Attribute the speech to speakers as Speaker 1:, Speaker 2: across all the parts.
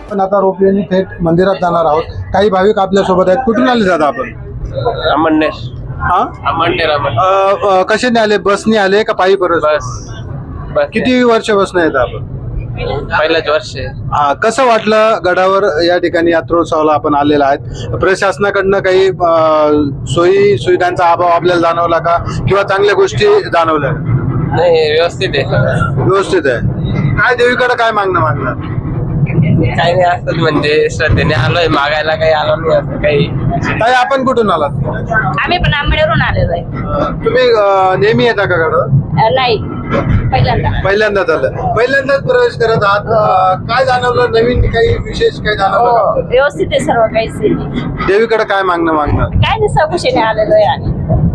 Speaker 1: पण आता रोपवेने थेट मंदिरात जाणार आहोत. काही भाविक आपल्या सोबत आहेत. कुठून आले दादा आपण?
Speaker 2: अमरनेर.
Speaker 1: हा,
Speaker 2: अमरनेर.
Speaker 1: कशाने आले? बसने आले का पायी परत?
Speaker 2: बस.
Speaker 1: किती वर्ष बसने येत आपण?
Speaker 2: पहिलंच वर्ष आहे.
Speaker 1: हा, कसं वाटलं गडावर या ठिकाणी यात्रोत्सवाला आपण आलेला आहेत? प्रशासनाकडनं काही सोयी सुविधांचा अभाव आपल्याला जाणवला का, किंवा चांगल्या गोष्टी जाणवल्या?
Speaker 2: नाही, व्यवस्थित आहे.
Speaker 1: व्यवस्थित आहे. काय देवीकडे काय मागणं?
Speaker 2: काही नाही, असंच म्हणजे श्रद्धेने आलोय मागायला, काही आलो नाही असं काही.
Speaker 1: ताई, आपण कुठून आलात?
Speaker 3: आम्ही पण आंबेडवरून आलेलो आहे.
Speaker 1: तुम्ही नेहमी येता का गडावर?
Speaker 3: नाही,
Speaker 1: पहिल्यांदाच आलं. पहिल्यांदाच प्रवेश करत आहात. काय जाणवलं? नवीन काही विशेष काही जाणवलं
Speaker 3: हो,
Speaker 1: का?
Speaker 3: व्यवस्थित आहे सर्व काही.
Speaker 1: देवीकडे काय मागणं?
Speaker 3: काय नाही, सकुशीने आलेलो आहे आम्ही.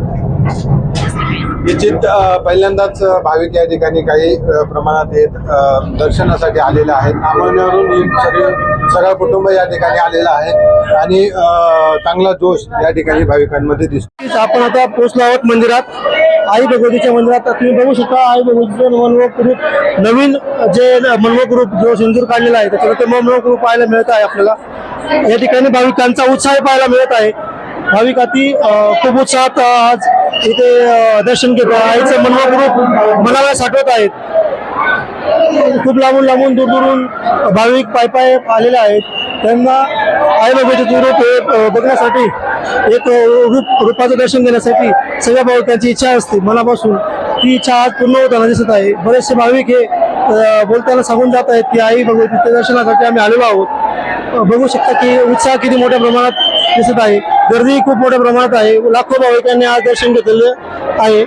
Speaker 1: निश्चित पहिल्यांदाच भाविक या ठिकाणी काही प्रमाणात येत दर्शनासाठी आलेले आहेत. आमळनेरवरून सगळं कुटुंब या ठिकाणी आलेलं आहे आणि चांगला जोश या ठिकाणी भाविकांमध्ये दिसतो. आपण आता पोहोचलो आहोत मंदिरात, आई भगवतीच्या मंदिरात. तुम्ही बघू शकता आई भगवतीचं मनमोहक रूप, नवीन जे मनमोहक रूप जो सिंदूर काढलेला आहे त्याच्यावर ते मनमोहक रूप पाहायला मिळत आहे आपल्याला. या ठिकाणी भाविकांचा उत्साह पाहायला मिळत आहे. भाविक अति खूप उत्साहात आज इथे दर्शन घेतो. आईचं मनमोहक रूप मनाला साठवत आहेत. खूप लांबून दूरून भाविक पाय आलेले आहेत. त्यांना आई भगवतीचं रूप हे बघण्यासाठी, एक रूपाचं दर्शन घेण्यासाठी सगळ्या भाविकांची इच्छा असते मनापासून. ती इच्छा आज पूर्ण होताना दिसत आहे. बरेचसे भाविक हे बोलताना सांगून जात आहेत की आई भगवतीच्या दर्शनासाठी आम्ही आलेलो आहोत. बघू शकता की उत्साह किती मोठ्या प्रमाणात दिसत आहे. गर्दी खूप मोठ्या प्रमाणात आहे. लाखो भाविकांनी आज दर्शन घेतलेले आहे.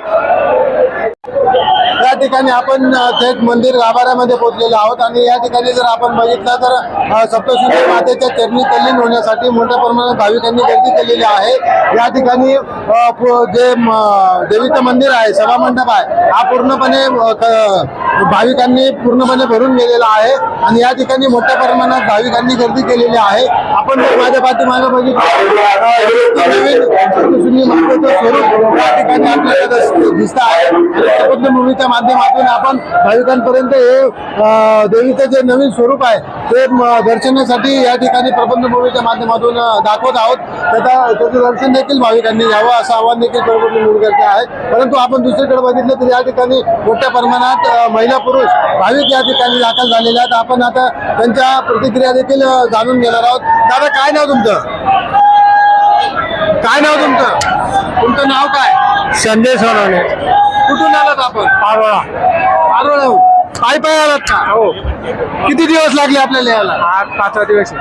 Speaker 1: या ठिकाणी आपण थेट मंदिर गाभाऱ्यामध्ये पोहोचलेलो आहोत आणि या ठिकाणी जर आपण बघितलं तर सप्तशृंगी मातेच्या चरणी तल्लीन होण्यासाठी मोठ्या प्रमाणात भाविकांनी गर्दी केलेली आहे. या ठिकाणी जे देवीचं मंदिर आहे, सभामंडप आहे, हा पूर्णपणे भाविकांनी पूर्णपणे भरून गेलेला आहे आणि या ठिकाणी मोठ्या प्रमाणात भाविकांनी गर्दी केलेली आहे. आपण माझ्या पाठीमागे बघितलं नवीन सप्तशृंगी मातेचं स्वरूप या ठिकाणी आपल्याला दिसत आहे. शपथभूमीच्या माध्यमातून आपण भाविकांपर्यंत हे देवीचं जे नवीन स्वरूप आहे ते दर्शनासाठी या ठिकाणी प्रबंधभूमीच्या माध्यमातून दाखवत आहोत. त्याचं दर्शन देखील भाविकांनी घ्यावं असं आवाहन देखील प्रबंधभूमी करते आहे. परंतु आपण दुसरीकडे बघितलं तर या ठिकाणी मोठ्या प्रमाणात महिला पुरुष भाविक या ठिकाणी दाखल झालेले आहेत. आपण आता त्यांच्या प्रतिक्रिया देखील जाणून घेणार आहोत. दादा, काय नाव तुमचं? तुमचं नाव काय?
Speaker 4: संदेश सोनवणे.
Speaker 1: कुठून आलात आपण? पारोळा. पाय आलात का?
Speaker 4: हो.
Speaker 1: किती दिवस लागले आपल्याला यायला?
Speaker 4: आज 5वा दिवस.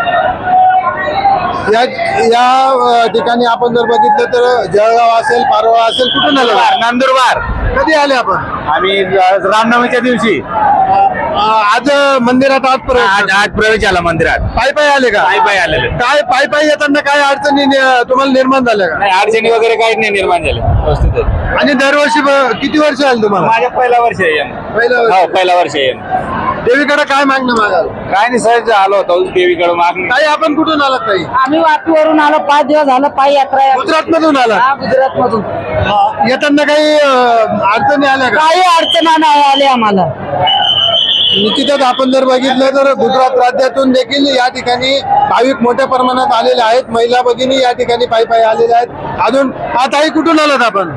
Speaker 1: या ठिकाणी आपण जर बघितलं तर जळगाव असेल, पारोळा असेल, कुठून आलं?
Speaker 4: नंदुरबार.
Speaker 1: कधी आले आपण?
Speaker 4: आम्ही रामनवमीच्या दिवशी
Speaker 1: आज मंदिरात
Speaker 4: आज प्रवेश झाला मंदिरात.
Speaker 1: पायी आले का?
Speaker 4: पायी आलेले.
Speaker 1: काय पायी येताना काय अडचणी तुम्हाला निर्माण झाल्या का?
Speaker 4: नाही, अडचणी वगैरे काहीच नाही निर्माण झाले. व्यवस्थित आहे.
Speaker 1: आणि दरवर्षी किती वर्ष आले तुम्हाला?
Speaker 4: माझ्या पहिला वर्ष आहे. पहिला वर्ष आहे.
Speaker 1: देवीकडे काय मागणं मागाल?
Speaker 4: काय नाही, सहज आलो होतो देवीकडे मागणी.
Speaker 1: ताई, आपण कुठून आलात? ताई,
Speaker 3: आम्ही वापीवरून आलो. 5 दिवस झालं पायी यात्रा आहे.
Speaker 1: गुजरात मधून आलात?
Speaker 3: गुजरात मधून.
Speaker 1: येताना काही अडचणी आल्या का?
Speaker 3: काही अडचण नाही आली आम्हाला.
Speaker 1: निश्चितच आपण जर बघितलं तर गुजरात राज्यातून देखील या ठिकाणी भाविक मोठ्या प्रमाणात आलेले आहेत. महिला भगिनी या ठिकाणी पायी आलेल्या आहेत. अजून ताई, कुठून आलात आपण?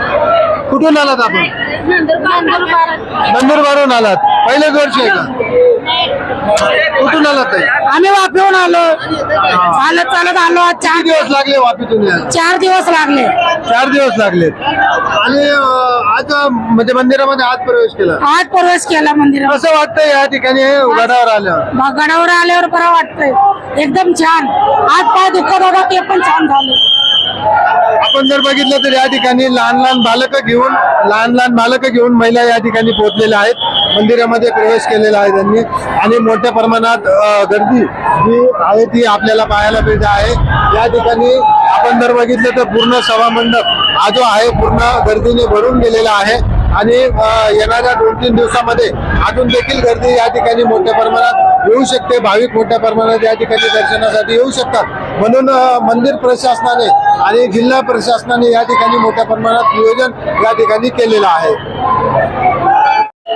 Speaker 1: नंदुरबारहून आलात. पहिलेच वर्ष आहे का? कुठून आलात ताई?
Speaker 3: आम्ही वापीहून आलो. चालत आलो. आज
Speaker 1: किती दिवस लागले वापीतून यायला?
Speaker 3: 4 दिवस लागले.
Speaker 1: 4 दिवस लागलेत. आणि आज म्हणजे मंदिरामध्ये आज प्रवेश केला.
Speaker 3: आज प्रवेश केला मंदिरात.
Speaker 1: कसं वाटतंय या ठिकाणी गडावर आल्यावर?
Speaker 3: गडावर आल्यावर बरं वाटतंय. एकदम छान. आज पाय दुखत होता ते पण छान झालं.
Speaker 1: आपण जर बघितलं तर या ठिकाणी लहान लहान बालकं घेऊन महिला या ठिकाणी पोहोचलेल्या आहेत. मंदिरामध्ये प्रवेश केलेला आहे त्यांनी आणि मोठ्या प्रमाणात गर्दी जी आहे ती आपल्याला पाहायला मिळते आहे. या ठिकाणी आपण जर बघितलं तर पूर्ण सभामंडप हा जो आहे पूर्ण गर्दीने भरून गेलेला आहे आणि येणाऱ्या 2-3 दिवसामध्ये अजून देखील गर्दी या ठिकाणी मोठ्या प्रमाणात येऊ शकते. भाविक मोठ्या प्रमाणात या ठिकाणी दर्शनासाठी येऊ शकतात. म्हणून मंदिर प्रशासनाने आणि जिल्हा प्रशासनाने या ठिकाणी मोठ्या प्रमाणात नियोजन या ठिकाणी केलेलं आहे.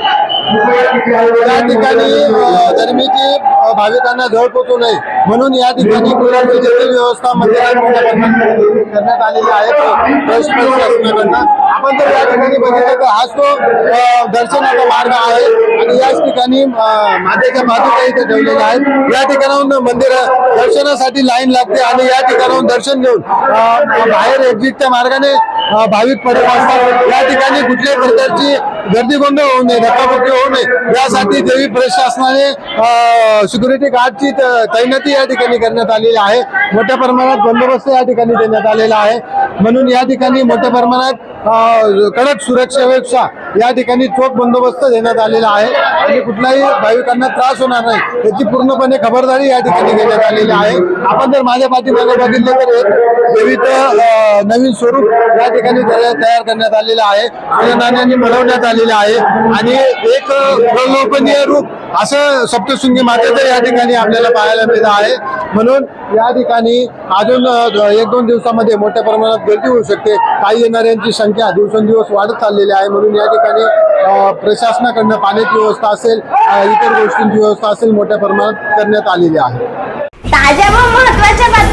Speaker 1: या ठिकाणी गरमीची भाविकांना झळ पोचू नये म्हणून या ठिकाणी कुलाची देखील व्यवस्था मंदिरात मोठ्या प्रमाणात करण्यात आलेली आहे शासनाकडनं. आपण जर या ठिकाणी बघितलं तर हाच तो दर्शनाचा मार्ग आहे आणि याच ठिकाणी मातेच्या पादुका इथे ठेवलेल्या आहेत. या ठिकाणाहून मंदिर दर्शनासाठी लाईन लागते आणि या ठिकाणाहून दर्शन घेऊन बाहेर एक्झिटच्या मार्गाने भाविक पडत असतात. या ठिकाणी कुठल्याही प्रकारची गर्दी गोंधळ होऊ नये, धक्काबुक्की होऊ नये यासाठी देवी प्रशासनाने सिक्युरिटी गार्डची तैनाती या ठिकाणी करण्यात आलेली आहे. मोठ्या प्रमाणात बंदोबस्त या ठिकाणी देण्यात आलेला आहे म्हणून या ठिकाणी मोठ्या प्रमाणात कडक सुरक्षेपेक्षा या ठिकाणी चोख बंदोबस्त देण्यात आलेला आहे आणि कुठल्याही भाविकांना त्रास होणार नाही याची पूर्णपणे खबरदारी या ठिकाणी घेण्यात आलेली आहे. आपण जर माझ्या पाठीमागे बघितले तर एक देवीचं नवीन स्वरूप या ठिकाणी तयार करण्यात आलेलं आहे, सोन्या नाण्यांनी बनवण्यात आलेलं आहे आणि एक प्रलोभनीय रूप असं सप्तशृंगी मातेचं या ठिकाणी आपल्याला पाहायला मिळत आहे. म्हणून या ठिकाणी अजून 1-2 दिवसामध्ये मोठ्या प्रमाणात गर्दी होऊ शकते. काही येणाऱ्यांची संख्या दिवसेंदिवस वाढत चाललेली आहे म्हणून या ठिकाणी प्रशासनाकडनं पाण्याची व्यवस्था असेल, इतर गोष्टींची व्यवस्था असेल मोठ्या प्रमाणात करण्यात आलेली आहे.
Speaker 5: ताज्या व महत्त्वाच्या